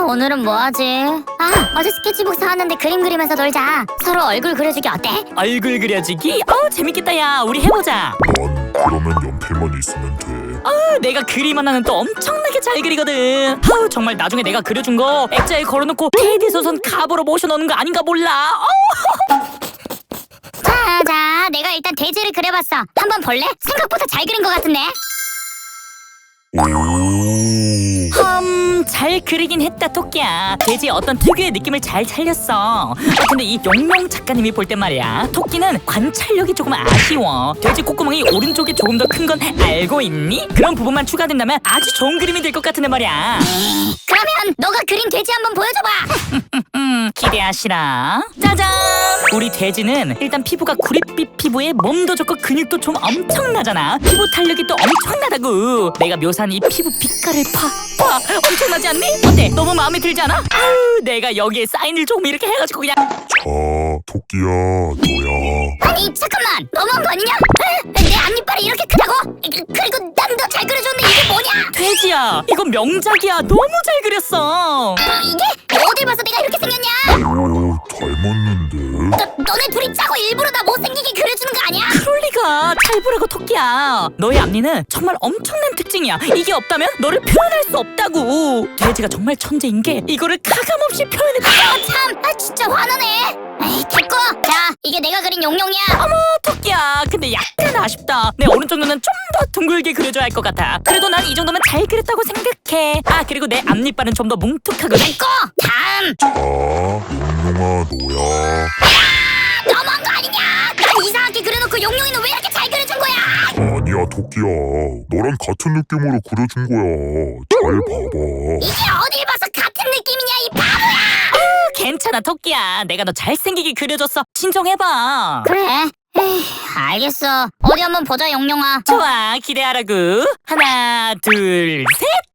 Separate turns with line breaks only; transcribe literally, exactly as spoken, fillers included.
오늘은 뭐하지? 아, 어제 스케치북 사왔는데 그림 그리면서 놀자. 서로 얼굴 그려주기 어때?
얼굴 그려주기? 어우 재밌겠다. 야 우리 해보자.
난 그러면 연필만 있으면 돼.
어, 내가 그림 하나는 또 엄청나게 잘 그리거든. 아우 정말 나중에 내가 그려준 거 액자에 걸어놓고 테디 소선 갑으로 모셔놓는 거 아닌가 몰라. 어?
자, 자, 내가 일단 돼지를 그려봤어. 한번 볼래? 생각보다 잘 그린 것 같은데?
오,
음, 잘 그리긴 했다 토끼야. 돼지의 어떤 특유의 느낌을 잘 살렸어. 아, 근데 이 용용 작가님이 볼 땐 말이야, 토끼는 관찰력이 조금 아쉬워. 돼지 콧구멍이 오른쪽이 조금 더 큰 건 알고 있니? 그런 부분만 추가된다면 아주 좋은 그림이 될 것 같은데 말이야.
그러면 너가 그린 돼지 한번 보여줘봐.
음, 기대하시라. 짜잔! 우리 돼지는 일단 피부가 구릿빛 피부에 몸도 좋고 근육도 좀 엄청나잖아. 피부 탄력이 또 엄청나다고. 내가 묘사한 이 피부 빛깔을 봐. 봐, 엄청나지 않니? 어때? 너무 마음에 들지 않아? 아유, 내가 여기에 사인을 조금 이렇게 해가지고 그냥.
자, 토끼야, 너야.
아니, 잠깐만. 너무한 거 아니냐? 에? 내 앞니빨이 이렇게 크다고? 그, 그리고 난 더 잘 그려줬는데 이게 뭐냐?
돼지야, 이건 명작이야. 너무 잘 그렸어.
이, 이게? 어딜 봐서 내가 이렇게 생겼냐?
오, 닮았는데?
너, 너네 둘이 짜고 일부러 나 못생기게 그려주는 거 아니야?
그럴 리가. 잘 보라고 토끼야. 너의 앞니는 정말 엄청난 특징이야. 이게 없다면 너를 표현할 수 없다고. 돼지가 정말 천재인 게 이거를 가감없이 표현했다.
아, 참. 아, 진짜 화나네. 에이, 됐고. 자, 이게 내가 그린 용용이야.
어머 토끼야, 근데 약간 아쉽다. 내 오른쪽 눈은 좀 더 둥글게 그려줘야 할 것 같아. 그래도 난 이 정도면 잘 그렸다고 생각해. 아 그리고 내 앞니빨은 좀 더 뭉툭하거든.
됐고. 다음.
자, 용용아, 너야.
너무한 거 아니냐? 난 이상하게 그려놓고 용용이는 왜 이렇게 잘 그려준 거야?
아니야, 토끼야. 너랑 같은 느낌으로 그려준 거야. 잘 봐봐.
이게 어딜 봐서 같은 느낌이냐, 이 바보야!
괜찮아 토끼야. 내가 너 잘생기게 그려줬어. 진정해봐.
그래. 에이, 알겠어. 어디 한번 보자, 용용아.
좋아, 기대하라고. 하나 둘 셋.